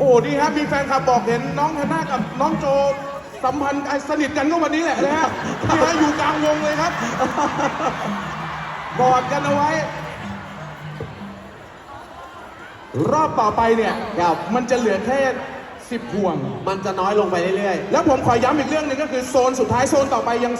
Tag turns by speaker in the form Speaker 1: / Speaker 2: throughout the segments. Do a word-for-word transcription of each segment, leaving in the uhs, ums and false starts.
Speaker 1: อ้ดีครับมีแฟนคลับบอกเห็นน้องฮันน่ากับน้องโจสัมพันธ์สนิทกันก็วันนี้แหละนะฮะที่ฮะอยู่กลางวงเลยครับกอดกันเอาไว้รอบต่อไปเนี่ยมันจะเหลือแค่สิบห่วง
Speaker 2: มันจะน้อยลงไปเรื่อย
Speaker 1: ๆแล้วผมขอย้ำอีกเรื่องหนึงก็คือโซนสุดท้ายโซนต่อไปยัง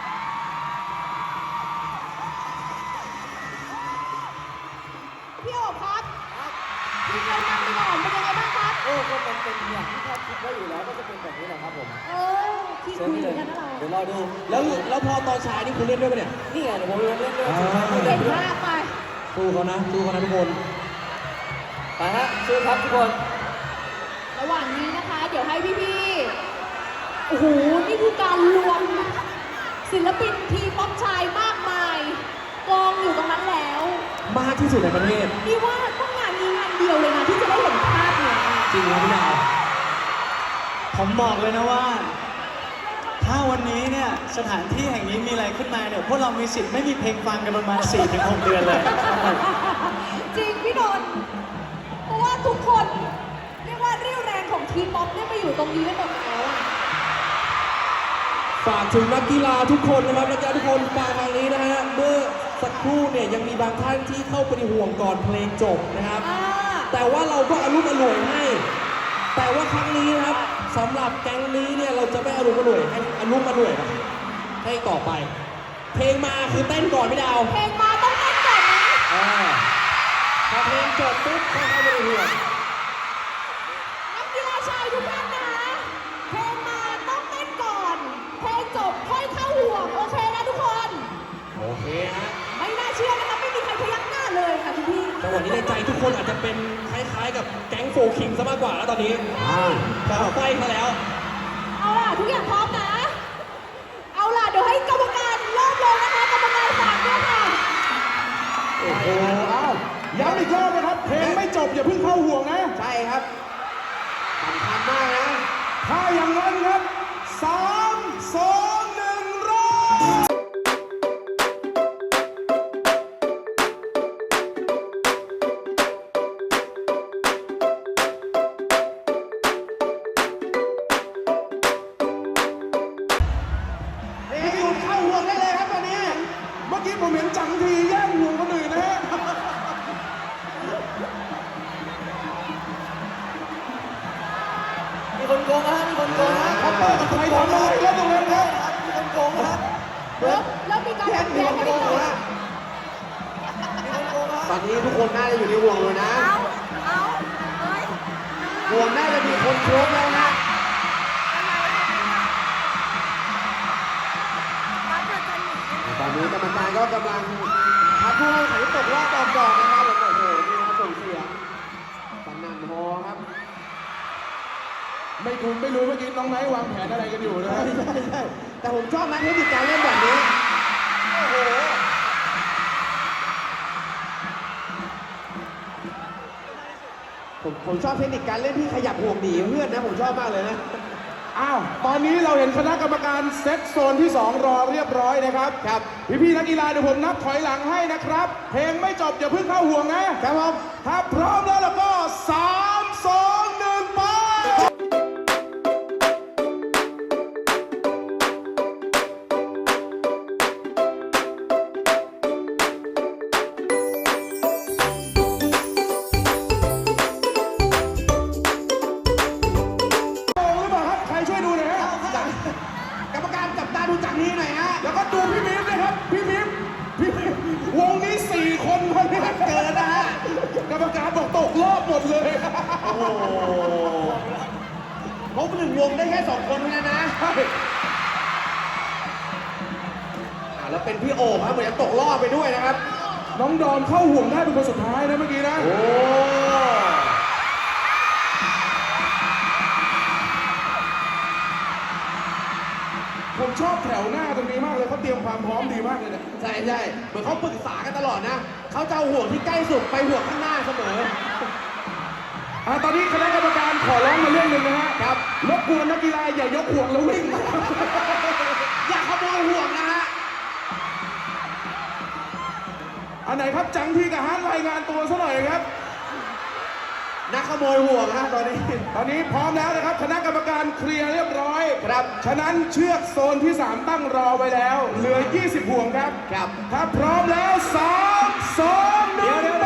Speaker 3: พี่โอ๋ครับทีมเรานำไปก่อนเป็นยังไงบ้างครับ
Speaker 4: โอ้ก็มันเป็นอย่างที่คาดคิดไว้อยู่แล้วก็จะเป็นแบบนี้แหละครับผม
Speaker 3: เออที่คุยกันนะเรา
Speaker 4: เดี๋ยวรอดู
Speaker 2: แล้วแล้วพอตอนฉายนี่คุณเล่นด้วยปะเนี่ย
Speaker 4: นี่ไงเดี๋ยวผมเล่นด้วย
Speaker 3: เก่งมากไป
Speaker 2: สู้เขานะสู้เขานะทุกคน
Speaker 4: ไปฮะสู้ครับทุกคน
Speaker 3: ระหว่างนี้นะคะ เดี๋ยวให้พี่ๆโอ้โหนี่คือการรวมศิลปินทีป๊อปชายมากมายกองอยู่ตรงนั้นแล้ว
Speaker 2: มากที่สุดในประเทศ
Speaker 3: นี่ว่าต้องงานนี้งานเดียวเลยนะที่จะได้เห็นภาพเนี่ย
Speaker 2: จริงครับพี่ดาว
Speaker 5: ผมบอกเลยนะว่า ถ้าวันนี้เนี่ยสถานที่แห่งนี้มีอะไรขึ้นมาเนี่ยพวกเรามีสิทธิ์ไม่มีเพลงฟังกันประมาณ สี่ถึงหก เดือนเลย
Speaker 3: จริงพี่นนท์เพราะว่าทุกคนเรียกว่าเรี่ยวแรงของทีป๊อปเนี่ยมาอยู่ตรงนี้ได้หมดแล้วอะ
Speaker 2: ฝากถึงนักกีฬาทุกคนนะครับนักกีฬาทุกคนฟังทางนี้นะฮะเมื่อสักครู่เนี่ยยังมีบางท่านที่เข้าไปในห่วงก่อนเพลงจบนะครับ
Speaker 3: อ่า
Speaker 2: แต่ว่าเราก็อารมณ์อร่วยให้ แต่ว่าครั้งนี้นะครับสำหรับแก๊งนี้เนี่ยเราจะไม่อารมณ์อร่วยให้อารมณ์อร่วยนะให้ต่อไป เพลงมาคือเต้นก่อนไม่ดาว
Speaker 3: เพลงมาต้องเต้นก่อนนะ
Speaker 2: อ่าพอเพลงจบปุ๊บค่อยเข้าไปในห่วง
Speaker 3: นักกีฬาชายทุกท่านนะเพลงมาต้องเต้นก่อนเพลงจบค่อยเข้าห่วงโอเคนะทุกคน
Speaker 2: โอเคฮะ
Speaker 3: ไม่น่าเชื่อนะคะไม่มีใครพยักหน้าเลยค่ะคุณพี่
Speaker 2: จังหวะนี้ในใจทุกคนอาจจะเป็นคล้ายๆกับแก๊งโฟร์คิงซะมากกว่าแล้วตอนนี้อ่าจะไฟมาแล้ว
Speaker 3: เอาล่ะทุกอย่างพร้อมนะ เอาล่ะเดี๋ยวให้กรรมการเริ่มเลยนะคะกรรมการฝากด้วยค่ะ
Speaker 1: โอ้โหอ้าวย้ำอีกรอบนะครับเพลงไม่จบอย่าเพิ่งเข้าห่วงนะ
Speaker 2: ใช่ครับสำคัญมากนะ
Speaker 1: ถ้าอย่างนั้นครับสามสองหนึ่งเริ่มพี่หยุดเข้าห่วงได้เลยครับตอนนี้ เมื่อกี้ผมเห็นจังทีแย่งห่วงคนอื่นนะฮะ
Speaker 4: มีคนโกงฮะมีคนโกงฮะ
Speaker 1: ครับใครทำอะไรแล้วตรงนั้นครับ
Speaker 4: มีคนโกงฮะ
Speaker 3: แล้วแล้วมีการแข่งขันกันด้วย
Speaker 4: มีคนโกงฮะ
Speaker 2: ตอนนี้ทุกคนน่าจะอยู่ในห่วงเลยนะ
Speaker 3: เอาเอาเฮ้ย
Speaker 2: ห่วงน่าจะมีคนครบแล้วนะ ตอนนี้กรรมการก็กำลังพัดผู้เข้าแข่งขันที่ตกรอบก่อนๆนะครับผมโอ้โหนี่นะส่งเสียงสนั่นฮอครับ
Speaker 1: ไม่คุณไม่รู้เมื่อกี้น้องไนท์วางแผนอะไรกันอยู่นะ
Speaker 2: ใช่ใช่ใช่แต่ผมชอบนะเทคนิคการเล่นแบบนี้ โอ้โห ผมผมชอบเทคนิคการเล่นที่ขยับห่วงหนีเพื่อนนะ ผมชอบมากเลยนะ
Speaker 1: อ้าว ตอนนี้เราเห็นคณะกรรมการเซตโซนที่สองรอเรียบร้อยนะครับ
Speaker 2: ครับ
Speaker 1: พี่ๆนักกีฬาเดี๋ยวผมนับถอยหลังให้นะครับ เพลงไม่จบอย่าเพิ่งเข้าห่วงนะครับ
Speaker 2: ผม
Speaker 1: ถ้าพร้อมแล้วเราก็สามสองหนึ่งไป โอ้หรือเปล่าครับ ใครช่วยดูหน่อยฮะ
Speaker 2: กรรมการจับตาดูจากนี้หน่อยฮะ
Speaker 1: แล้วก็ดูพี่มิมด้วยครับ พี่มิมพี่มิมวงนี้สี่คนคนนี้เกินนะฮะ กรรมการบอกตกรอบหมดเลย
Speaker 2: โอ้โหเขาหนึ่งวงได้แค่สองคนเท่านั้นนะอ่าแล้วเป็นพี่โอ๋ครับเหมือนจะตกรอบไปด้วยนะครับ
Speaker 1: น้องดอมเข้าห่วงได้เป็นคนสุดท้ายนะเมื่อกี้นะ
Speaker 2: โอ้
Speaker 1: ผมชอบแถวหน้าตรงนี้มากเลยเขาเตรียมความพร้อมดีมากเลยเนี่ย
Speaker 2: ใช่ใช่เหมือนเขาปรึกษากันตลอดนะ เขาจะเอาห่วงที่ใกล้สุดไปห่วงข้างหน้าเสมอ
Speaker 1: อ่ะตอนนี้คณะกรรมการขอร้องมาเรื่องหนึ่งนะฮะ
Speaker 2: ครับ
Speaker 1: รบกวนนักกีฬาอย่ายกห่วงแล้ววิ่ง
Speaker 2: อย่าขโมยห่วงนะฮะ
Speaker 1: อันไหนครับจังทีกับฮาร์ดรายงานตัวซะหน่อยครับ
Speaker 2: นัก
Speaker 1: ขโมยห่วงฮะตอนนี้ ตอนนี้พร้อมแล้วนะครับคณะกรรมการเคลียร์เรียบร้อยครับ ฉะนั้นเชือกโซนที่ สาม ตั้งรอไว้แล้ว เหลือ ยี่สิบ ห่วงครับครับ ถ้าพร้อมแล้ว สาม สอง หนึ่ง ไป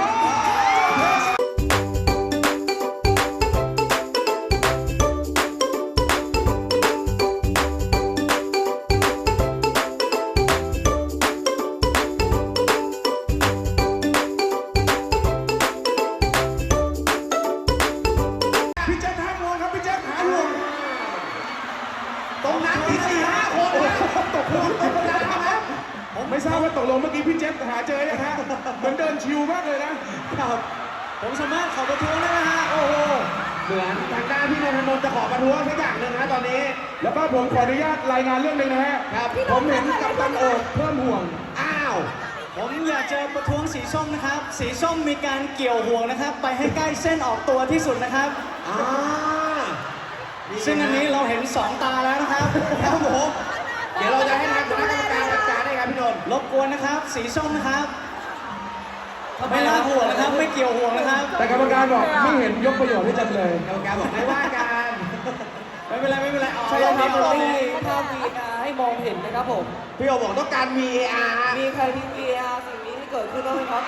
Speaker 1: พี่แจ๊คหาห่วงครับ พี่แจ๊คหาห่วง ตรงนั้นมีสี่ห้าคนนะตกห่วงธรรมดาครับผมไม่ทราบว่าตกลงเมื่อกี้พี่แจ๊คหาเจอยังฮะเหมือนเดินชิวมากเลยนะ
Speaker 5: ครับ ผมสามารถขอประท้วงได้ไหมฮะ โอ้โห
Speaker 1: เหมือนทางด้านพี่นนทนนท์จะขอประท้วงสักอย่างหนึ่งนะตอนนี้ แล้วก็ผมขออนุญาตรายงานเรื่องหนึ่งนะฮะครับผมเห็นกัปตันโอ๊ตเพิ่มห่วง อ้าว
Speaker 5: ผมอยากจะประท้วงสีส้มนะครับ สีส้มมีการเกี่ยวห่วงนะครับ ไปให้ใกล้เส้นออกตัวที่สุดนะครับ
Speaker 1: อ่า
Speaker 5: ซึ่งอันนี้เราเห็นสองตาแล้วนะครับ
Speaker 1: ครับผม เดี๋ยวเราจะให้ทางคณะกรรมการจัดการให้ครับพี่นนท์
Speaker 5: รบกวนนะครับ สีส้มนะครับไม่ลากห่วงนะครับ ไม่เกี่ยวห่วงนะครับ
Speaker 1: แต่กรรมการบอกไม่เห็นยกประโยชน์ให้จำเลย
Speaker 4: กรรมการบอกไม่ว่ากัน
Speaker 5: ไม่เป็นไรไม่เป็นไรเอา
Speaker 4: ใช่
Speaker 5: เอา
Speaker 4: ครับ
Speaker 5: เอา
Speaker 4: เรา
Speaker 5: เอา
Speaker 4: มีภาพ วี อาร์ ให้มองเห็นนะครับผม
Speaker 1: พี่โอบอกต้องการ วี เอ อาร์ ฮะ
Speaker 4: มีใครมี วี อาร์ สิ่งนี้ให้เกิดขึ้นบ้างไหมครับ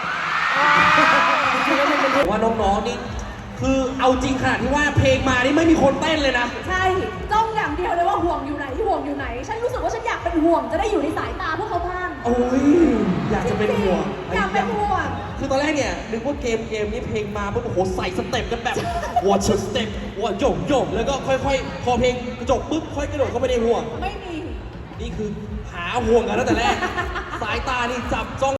Speaker 2: ผมว่าน้องๆนี่คือเอาจริงขนาดที่ว่าเพลงมานี่ไม่มีคนเต้นเลยนะ
Speaker 3: ใช่จ้องอย่างเดียวเลยว่าห่วงอยู่ไหนห่วงอยู่ไหน ฉันรู้สึกว่าฉันอยากเป็นห่วงจะได้อยู่ในสายตาพวกเขาบ้าง
Speaker 2: โอ้ยอยากจะเป็นห่วง
Speaker 3: อยากเป็นห่วง
Speaker 2: คือตอนแรกเนี่ยนึกว่าเกมเกมนี้เพลงมาปุ๊บโอ้โหใส่สเต็ปกันแบบ watch a step ว่าโยกโยกแล้วก็ค่อยๆ พอเพลงจบปุ๊บค่อยกระโดดเข้าไปในห่วง
Speaker 3: ไม่มี
Speaker 2: นี่คือหาห่วงกันตั้งแต่แรก สายตานี่จับจ้อง